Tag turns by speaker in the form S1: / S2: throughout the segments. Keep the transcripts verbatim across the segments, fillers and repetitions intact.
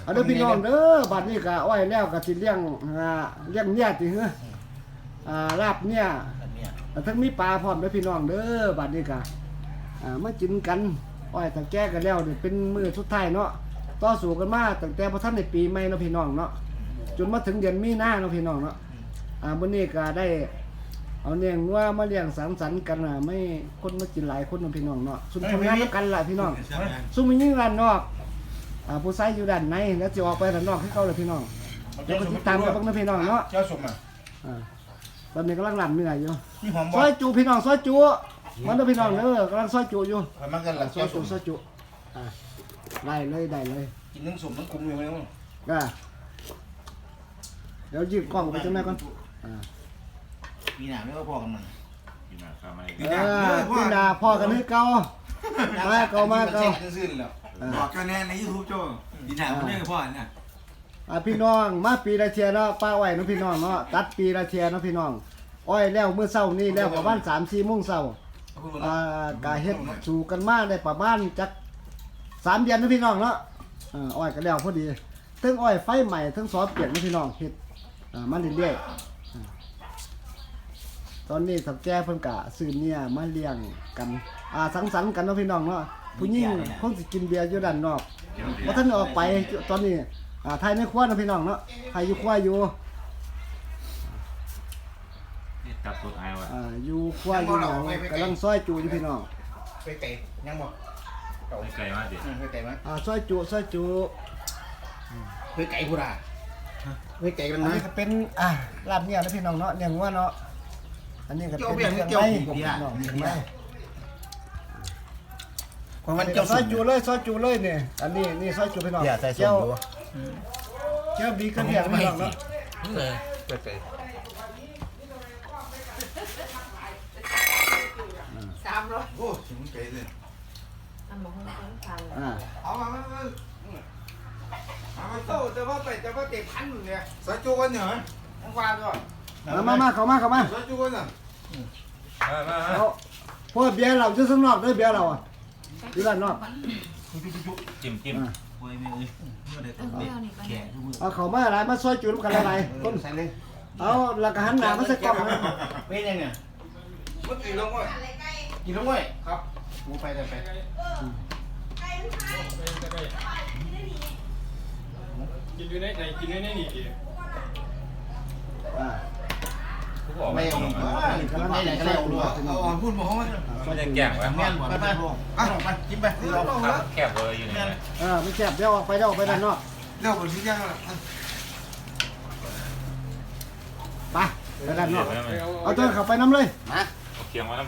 S1: เอาเด้อพี่น้องเด้อบัดนี้ก็อ้อยแล้วก็สิเลี้ยงอ่าเลี้ยงเนี่ยติเฮ้ออ่าลาบเนี่ยทั้งมีปลาพร้อมเด้อพี่น้องเด้อบัดนี้ก็อ่ามากินกันอ้อยตะแก้กันแล้วนี่เป็นมื้อสุดท้ายเนาะต่อสู้กันมาตั้งแต่บ่ทันได้ปีใหม่เนาะพี่น้องเนาะจนมาถึงเดือนมีนาเนาะพี่น้องเนาะอ่ามื้อนี้ก็ได้เอาเลี้ยงวัวมาเลี้ยงสังสรรค์กันน่ะไม่คนมากินหลายคนเนาะพี่น้องเนาะซุ่มทำงานกันล่ะพี่น้องซุ่มมียิงด้านนอกอ่าผู้ชายอยู่ด้านในแล้วสิออกไปด้านนอกให้เขาเลยพี่น้องเดี๋ยวก็ติดตามกันเบิ่งนะพี่น้องเนาะ
S2: เจ้าสมอ่ะ
S1: อ่าตอนนี้กำลังลำเนื้ออยู่
S2: นี่หอม
S1: ซ
S2: บ่
S1: อยจูพี่น้องซอยจูมันเด้อพี่น้องเด้อกำลังซอยจูอยู่
S2: มันกันหลัง
S1: ซอ
S2: เจ้าย ส
S1: จู
S2: ม
S1: ซอยจูอ่าได้เลยได้เลย
S2: กินทั้งสมทั้งคุ้มอยู่แล้ว
S1: ก็เดี๋ยวยืดกล้องไปจังไหนก่อนอ่า
S2: มีหนาไม่ก็พอกันมัน
S3: กินมาข้าวมา
S1: เออพี่นาพ่อกันให้เก่ามาเก่ามาเก่า
S2: ซื่อๆแล้ว
S4: บอกกันแน่ในยูทูบโจ้ดีหนาคนนี้กับพ่อเนี่ย
S1: อ่าพี่น้องมาปีละเทียเนาะป้าอ้อยเนาะพี่น้องเนาะตัดปีละเทียเนาะพี่น้องอ้อยแล้วมื้อเช้านี้แล้วประมาณ สามสี่โมงเช้าอ่ากะเฮ็ดสู่กันมาได้ประมาณจักสามเดือนเนาะพี่น้องเนาะอ่าอ้อยก็แล้วพอดีทั้งอ้อยไฟใหม่ทั้งซอสเปลี่ยนเนาะพี่น้องเฮ็ดอ่ามาเรื่อยๆอ่าตอนนี้สับแก่เพิ่นกะซื้อเนี่ยมาเลี้ยงกันอ่าสังสรรค์กันเนาะพี่น้องเนาะผู้หญิงคงสิกินเบียร์อยู่ด้านนอกบ่ทันออกไปตอนนี้อ่าไทยในครัวเนาะพี่น้องเนาะไทยอยู่ครัวอยู่
S3: นี่ตับตัวไอ้วะ
S1: อ่าอยู่ครัวอยู่หยังกำลังซอยจูอยู่พี่น้อง
S2: ไปไก่ยังบ่
S3: ไม่ไกลมากดิ
S2: ไปไก่มั้ย
S1: อ่าซอยจูซอยจู
S2: ไปไก่กูด่าไปไก่กัน
S1: อัน
S2: มั้ย
S1: นี้ก็เป็นอ่าลาบเนี่ยนะพี่น้องเนาะเลี้ยงวัวเนาะอันนี้ก็เป็นเครื่องไม้พี่น้องเครื่องไม้
S2: ความมัน
S1: อันนี้
S2: เจ้า
S1: ก็ซอยจูเลยซอยจูเลยเนี่ยอันนี้นี่ซอยจูพี่น้องเจ้าเจ้าบีกระเทียมพี่น้องเนาะ
S2: ไปไก่
S5: สามร้อย
S4: โอ้ถึงไกลเลย
S5: ทำหมกให้คนทาน
S1: อ่า
S4: เอามามามามามาโต้แต่ว่าไปแต่ว่าเก็บพันอยู่เนี่ยสายจูกันเหรอทั้งวานด้วย
S1: มามามาเข้ามาเข้ามา
S4: สายจูกันอ่ะ
S3: มามา
S1: เอาพวกเบียร์เราอยู่ข้างนอกเด้อเบียร์เราอ่ะอยู่ด้านนอก
S3: จิ้มจิ้ม
S1: อ่า
S4: โอ้ยไม่เอ้ยเมื่อใด
S5: เอ
S4: ต้อง
S5: อ
S4: เด็
S5: เดี๋
S4: ก
S5: ยวนี้ไป
S4: แก่ทุกมือ
S1: เอาเข้ามาหลายมาซอยจูนำกันหลายๆคน
S2: ใส่เลย
S1: เอาแล้วก็หันหน้ามาใส่กล้องนะ
S2: เป็นยังเนี่ย
S4: เมื่อกี้ลงว่า
S2: กินแล้วเว้ยครับกูไปไปไป
S6: กินอยู่ในไหนกินอยู่ในนี่ดิ
S1: อ่า
S3: กูบอก
S2: ไม่
S3: ไม่
S2: เอา
S3: ตรง
S2: ไม่
S3: มา
S2: ไหนก็ได้เอาด้วย
S4: เอาอ่อนพูดบอกเขาว่า
S3: มันจะแก่งวะ
S2: แม่นไปไปอ่ะไปกินไปเรา
S3: ครับแคบเลยอยู่เนี่ย
S1: เออไม่แซ่บเดี๋ยวออกไปเดี๋ยวออกไปด้านนอก
S4: เรื่องคนที่ยังอ่ะ
S1: ไปไปด้านนอก
S6: ไปเอา
S1: เอาตัวเข้าไปน้ำเลย
S2: มา
S3: เอาเคียงมาแล้ว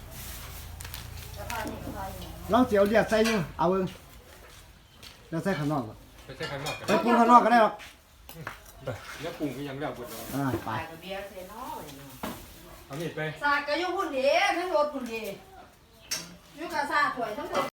S1: เราเสียวเดียดใส่อยู่เอาเองเดี๋ยวใส่ข้างนอก
S6: ไปใช้ข้างนอกกัน
S1: ไปปรุงข้างนอกก็ได้หรอก
S6: แล้วปรุงก็ยังแล้วบุญ
S1: อ่าไป
S5: ไปกับเบียร์เซนอล
S6: เอามีดไป
S5: สากก็ยุ่งหุ่นดีทั้งรถหุ่นดียุ่งกับซาถวยทั้งหมด